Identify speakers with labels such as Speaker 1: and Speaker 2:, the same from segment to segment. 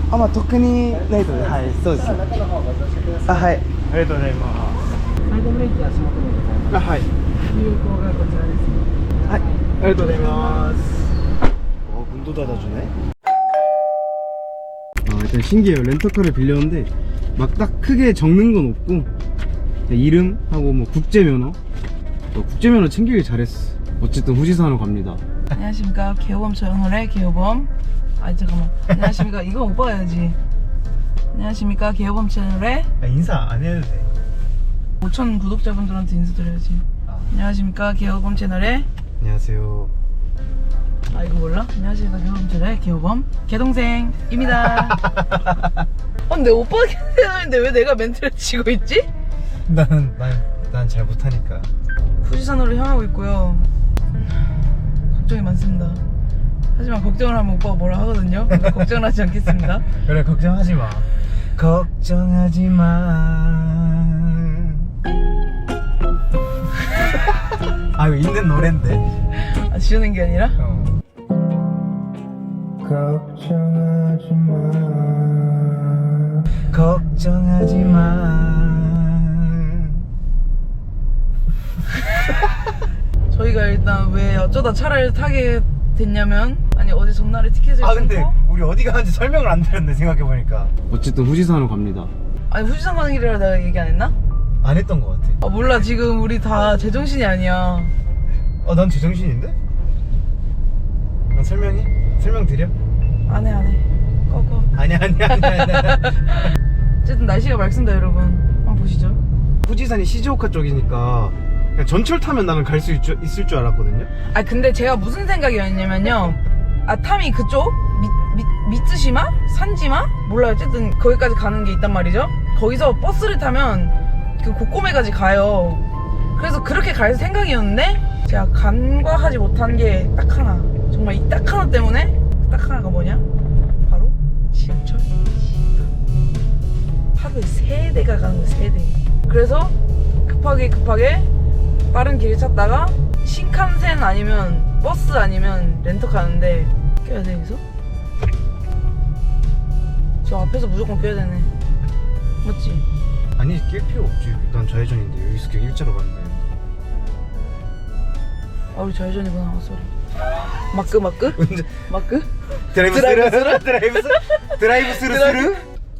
Speaker 1: あ、まあ特にないとね。はい、そうです。あ、はい。ありがとうございます。
Speaker 2: サイドブレーキ足元にございます。
Speaker 1: あ、はい。
Speaker 2: 有効がこちらですね。
Speaker 1: はい、ありがとうございます. 문도 닫아주네. 일단 신기해요. 렌터카를 빌렸는데 막 딱 크게 적는 건 없고 이름하고 뭐 국제면허, 국제면허 챙기길 잘했어. 어쨌든 후지산으로 갑니다.
Speaker 3: 안녕하십니까, 개호범 채널의 개호범. 아 잠깐만. 안녕하십니까. 이거 오빠가 해야지. 안녕하십니까, 개호범 채널의
Speaker 1: 인사 안 해도 돼.
Speaker 3: 5,000 구독자분들한테 인사드려야지. 안녕하십니까, 개호범 채널의.
Speaker 1: 안녕하세요.
Speaker 3: 아 이거 몰라? 안녕하십니까, 개호범 채널의 개호범 개동생입니다. 근데 오빠가 채널인데 왜 내가 멘트를 치고 있지?
Speaker 1: 난 잘 못하니까.
Speaker 3: 후지산으로 향하고 있고요. 걱정이 많습니다. 하지만 걱정을 하면 오빠가 뭐라 하거든요. 그러니까 걱정을 하지 않겠습니다.
Speaker 1: 그래, 걱정하지 마. 걱정하지 마. 아, 이거 있는 노랜데.
Speaker 3: 아, 지우는 게 아니라?
Speaker 1: 걱정하지 마. 걱정하지 마.
Speaker 3: 저희가 일단 왜 어쩌다 차를 타게 됐냐면, 아니 어제 전날에 티켓을
Speaker 1: 근데
Speaker 3: 끊고,
Speaker 1: 우리 어디 가는지 설명을 안 드렸네, 생각해보니까. 어쨌든 후지산으로 갑니다.
Speaker 3: 아니 후지산 가는 길이라 내가 얘기 안 했나?
Speaker 1: 안 했던 것 같아.
Speaker 3: 아 몰라, 지금 우리 다 제정신이 아니야.
Speaker 1: 난 제정신인데? 난 설명 드려?
Speaker 3: 안해 꺼.
Speaker 1: 아니야.
Speaker 3: 어쨌든 날씨가 맑습니다 여러분. 한번 보시죠.
Speaker 1: 후지산이 시즈오카 쪽이니까 그냥 전철 타면 나는 갈 수 있을 줄 알았거든요.
Speaker 3: 아 근데 제가 무슨 생각이었냐면요, 아타미 그쪽 미츠시마? 산지마? 몰라요. 어쨌든 거기까지 가는 게 있단 말이죠. 거기서 버스를 타면 그 고코메까지 가요. 그래서 그렇게 갈 생각이었는데 제가 간과하지 못한 게 딱 하나, 정말 이 딱 하나 때문에, 딱 하나가 뭐냐? 바로 지하철. 하루에 3대가 가는 거야, 3대. 그래서 급하게 빠른 길을 찾다가 신칸센 아니면 버스 아니면 렌터 가는데 껴야 돼. 여기서 저 앞에서 무조건 껴야 되네. 맞지?
Speaker 1: 아니, 낄 필요 없지. 난 좌회전인데 여기서 그냥 일자로 가면 돼.
Speaker 3: 아 우리 좌회전이구나. 쏘리. 마크?
Speaker 1: 언제?
Speaker 3: 마크?
Speaker 1: 드라이브 스루?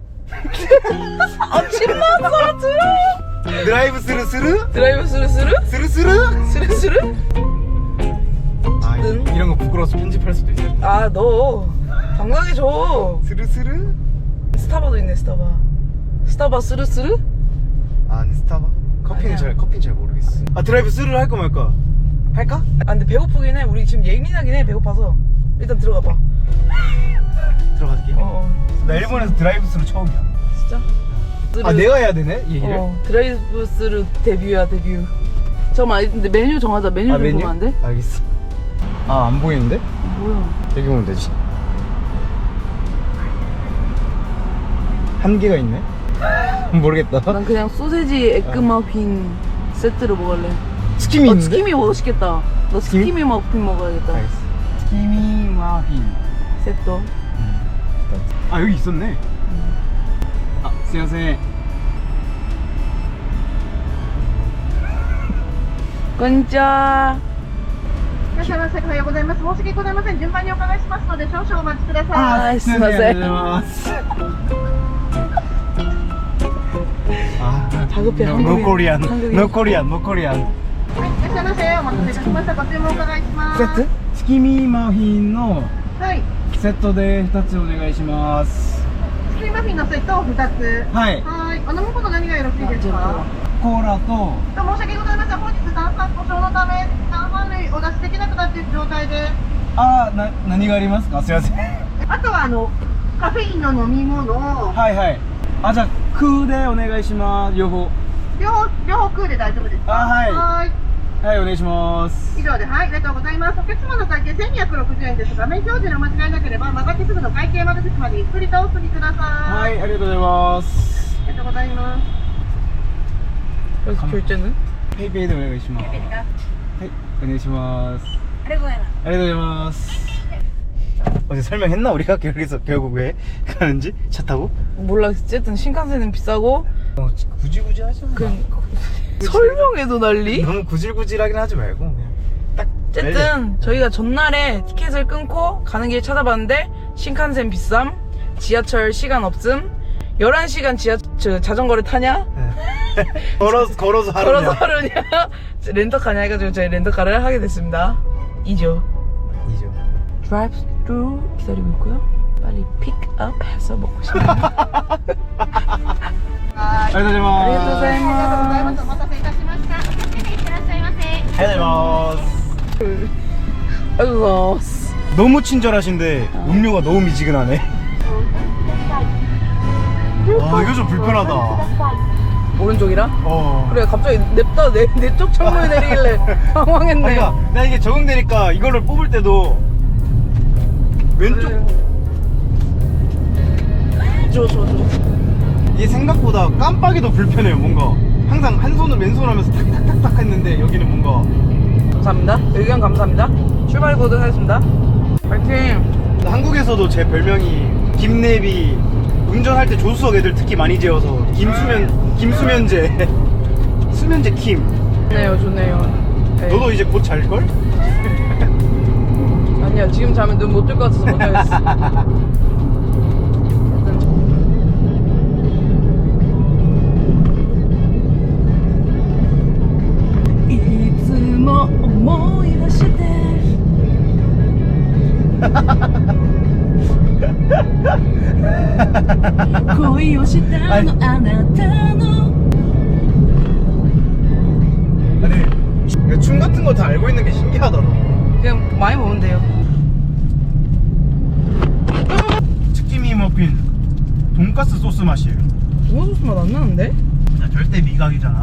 Speaker 3: 아 침났어 들어.
Speaker 1: 드라이브 스루?
Speaker 3: 드라이브 스르스르? 스르스르?
Speaker 1: 아, 이런 거 부끄러워서 편집할 수도 있어.
Speaker 3: 아 너 당당히 줘.
Speaker 1: 스르스르?
Speaker 3: 스타바도 있네. 스타바 스르스르?
Speaker 1: 아니, 스타바? 커피는 잘 모르겠어. 드라이브 스루를 할까 말까? 할까?
Speaker 3: 아 근데 배고프긴 해. 우리 지금 예민하긴 해. 배고파서 일단 들어가 봐.
Speaker 1: 들어갈게. 나 일본에서 드라이브 스루 처음이야.
Speaker 3: 진짜?
Speaker 1: 내가 해야 되네? 이 얘기를?
Speaker 3: 드라이브 스루 데뷔야 데뷔. 잠깐만, 근데 메뉴 정하자. 메뉴 좀 보면 안 돼?
Speaker 1: 알겠어. 안 보이는데?
Speaker 3: 뭐야?
Speaker 1: 여기 보면 되지. 한 개가 있네? 모르겠다.
Speaker 3: 난 그냥 소세지 에그 머핀 세트로 먹을래.
Speaker 1: 스키미 있는데?
Speaker 3: 스키미 멋있겠다. 너
Speaker 1: 스키미?
Speaker 3: 스키미 머핀 먹어야겠다.
Speaker 1: 알겠어. 스키미 마핀
Speaker 3: 세트.
Speaker 1: 여기 있었네. 수고하세요.
Speaker 3: 건짜.
Speaker 4: いらっしゃいませ。おはようございます。申し訳ございません。順番にお伺いしますので、少々お待ちください。
Speaker 3: すいません。
Speaker 1: ありがとうございます。
Speaker 3: 다급해.
Speaker 1: No Korean.
Speaker 3: 한국인.
Speaker 1: No Korean. No Korean.
Speaker 4: はい、いらっしゃいませ。お待たせいたしました。ご注文お伺いします。
Speaker 1: セット？スキミマフィンの
Speaker 4: はい。
Speaker 1: セットで2つお願いします。
Speaker 4: スキーマフィンのセットを2つ。
Speaker 1: はい。
Speaker 4: はい。お飲み物何がよろしいですか？
Speaker 1: コーラと
Speaker 4: 申し訳ございません。本日炭酸故障のため炭酸類お出しできなくなっている状態で。
Speaker 1: 何がありますか？すいません。
Speaker 4: あとはカフェインの飲み物。
Speaker 1: はいはい。じゃあ空でお願いします。両方
Speaker 4: 空で大丈夫ですか？
Speaker 1: はい
Speaker 4: はい
Speaker 1: はい、お願いします。
Speaker 4: 以上で、はい、ありがとうございます。お客様の会計1260円です。画面表示の間違いなければ曲がってすぐの会計窓口までゆっくりとお進みください。
Speaker 1: はい、ありがとうございます。
Speaker 4: ありがとうございます。
Speaker 3: 그래서 결제는?
Speaker 1: 페이페이でお願いします。はい、お願いします。
Speaker 4: ありがとうございます。
Speaker 1: ありがとうございます。 어제 설명했나 우리가 여기서 결국 왜 가는지 차 타고?
Speaker 3: 몰라. 어쨌든 신칸센은 비싸고
Speaker 1: 굳이 하지 마.
Speaker 3: 설명해도 난리?
Speaker 1: 너무 구질구질하긴 하지 말고 그냥 딱.
Speaker 3: 어쨌든 저희가 전날에 티켓을 끊고 가는 길 찾아봤는데 신칸센 비쌈, 지하철 시간 없음, 11시간 자전거를 타냐?
Speaker 1: 걸어서 하루냐?
Speaker 3: 걸어서 하루냐? 렌터카냐 해가지고 저희 렌터카를 하게 됐습니다. 이죠. 드라이브 스루 기다리고 있고요. 빨리 픽업 해서 먹고 싶네요.
Speaker 1: 아리가토
Speaker 4: ありがとうございます。お待たせいたしました。いってらっしゃいませ。
Speaker 1: 아리가토. 너무 친절하신데 음료가 너무 미지근하네. 아 이거 좀 불편하다.
Speaker 3: 오른쪽이라? 그래 갑자기 냅다 내 쪽 창문에 내리길래 당황했네.
Speaker 1: 그러니까 나 이게 적응되니까 이거를 뽑을 때도 왼쪽
Speaker 3: 줘.
Speaker 1: 이게 생각보다 깜빡이도 불편해요. 뭔가 항상 한 손을 왼손 하면서 탁탁탁탁 했는데 여기는 뭔가.
Speaker 3: 감사합니다. 의견 감사합니다. 출발 보도록 하겠습니다. 파이팅.
Speaker 1: 한국에서도 제 별명이 김내비, 운전할 때 조수석 애들 특히 많이 재워서 김수면제 수면제 킴.
Speaker 3: 좋네요. 네.
Speaker 1: 너도 이제 곧 잘걸?
Speaker 3: 아니야 지금 자면 눈 못 뜰 것 같아서 못하겠어.
Speaker 1: 아니 춤 같은 거 다 알고 있는 게 신기하다. 너
Speaker 3: 그냥 많이 먹으면 돼요.
Speaker 1: 치킨미 머핀 돈가스 소스 맛이에요.
Speaker 3: 도마 소스 맛 안 나는데?
Speaker 1: 나 절대 미각이잖아.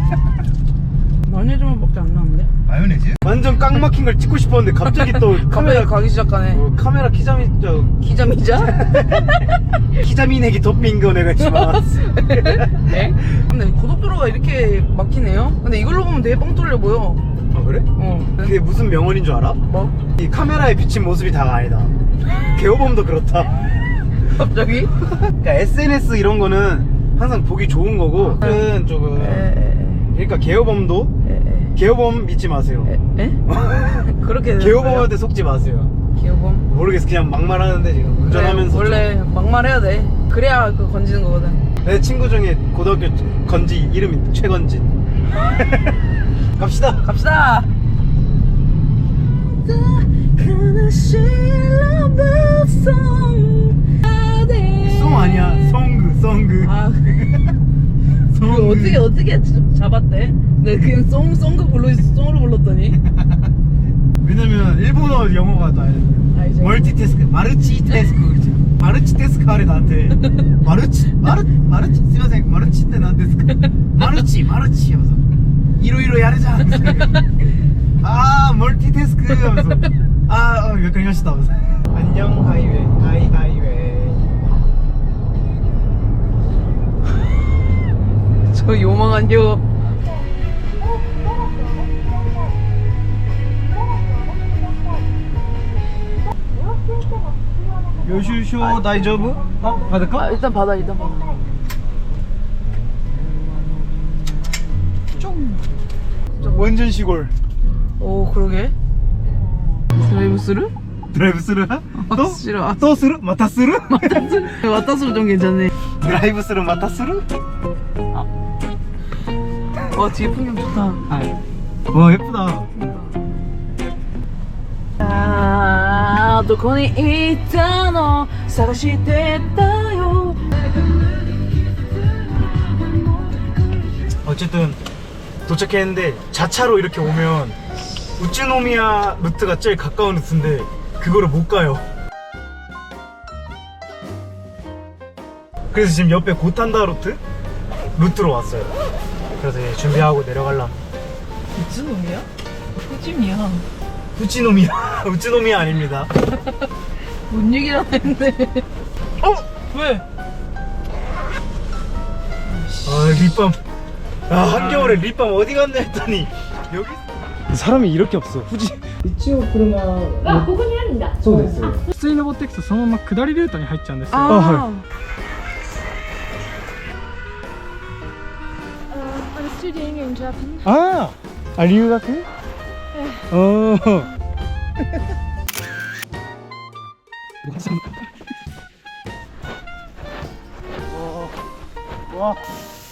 Speaker 3: 마요네즈 맛밖에 안 나는데?
Speaker 1: 마요네즈? 완전 깡 막힌 걸 찍고 싶었는데 갑자기 또
Speaker 3: 카메라 가기 시작하네.
Speaker 1: 카메라 키자미
Speaker 3: 기자미자?
Speaker 1: 키자미네기 토핑 거 내가 지금 알았어.
Speaker 3: 네? 근데 고속도로가 이렇게 막히네요? 근데 이걸로 보면 되게 뻥 뚫려 보여.
Speaker 1: 아 그래? 그게 무슨 명언인 줄 알아?
Speaker 3: 뭐?
Speaker 1: 이 카메라에 비친 모습이 다가 아니다. 개호범도 그렇다.
Speaker 3: 갑자기?
Speaker 1: 그러니까 SNS 이런 거는 항상 보기 좋은 거고 그는 조금 그러니까 개호범도 개호범 믿지 마세요.
Speaker 3: 에? 그렇게
Speaker 1: 개호범한테 속지 마세요.
Speaker 3: 개호범?
Speaker 1: 모르겠어. 그냥 막말하는데 지금 운전하면서
Speaker 3: 원래 막말해야 돼. 그래야 그거 건지는 거거든.
Speaker 1: 내 친구 중에 고등학교 건지 이름이 최건진. 갑시다. 송 아니야. 송그.
Speaker 3: 아, 그 어떻게 잡았대? 내가 그냥 송그 송으로 불렀더니.
Speaker 1: 왜냐면 일본어 영어가 다
Speaker 3: 알죠.
Speaker 1: 멀티태스크, 마르치태스크 그렇지. 마르치태스크 하래 나한테. 마르치 스마생 마르치 때 나한테 마르치 하면서 이로 야르자 하면서 아 멀티태스크 하면서 몇 그리 하시다 하면서 안녕 하이웨이
Speaker 3: 저 요망한 요.
Speaker 1: 요슈쇼 다이저브? 받을까?
Speaker 3: 일단 받아.
Speaker 1: 완전 시골.
Speaker 3: 오 그러게. 드라이브스루?
Speaker 1: 드라이브스루? 또?
Speaker 3: 싫어.
Speaker 1: 또 스루? 마타스루?
Speaker 3: 와타스루 좀 괜찮네.
Speaker 1: 드라이브스루 마타스루?
Speaker 3: 와 뒤에 풍경 좋다.
Speaker 1: 와 예쁘다.
Speaker 3: 아, どこに行ったの探してたよ.
Speaker 1: 어쨌든 도착했는데 자차로 이렇게 오면 우츠노미야 루트가 제일 가까운 루트인데 그거를 못 가요. 그래서 지금 옆에 고탄다 루트로 왔어요. 그래서 이제 준비하고 내려갈라.
Speaker 3: 무슨 놈이야? 후짐이야.
Speaker 1: 우츠노미야 아닙니다.
Speaker 3: 뭔 얘기를 했는데. 왜?
Speaker 1: 립밤. 한겨울에 립밤 어디 갔나 했더니 여기 사람이 이렇게 없어. 후지. 이치오 프르마.
Speaker 4: ここにある
Speaker 5: るんだ。
Speaker 1: そうです。
Speaker 6: 普通に登っていくとそのまま下りルートに入っちゃうんですよ。
Speaker 3: 아,
Speaker 5: I'm studying in Japan.
Speaker 6: ああ、留学？おお。わ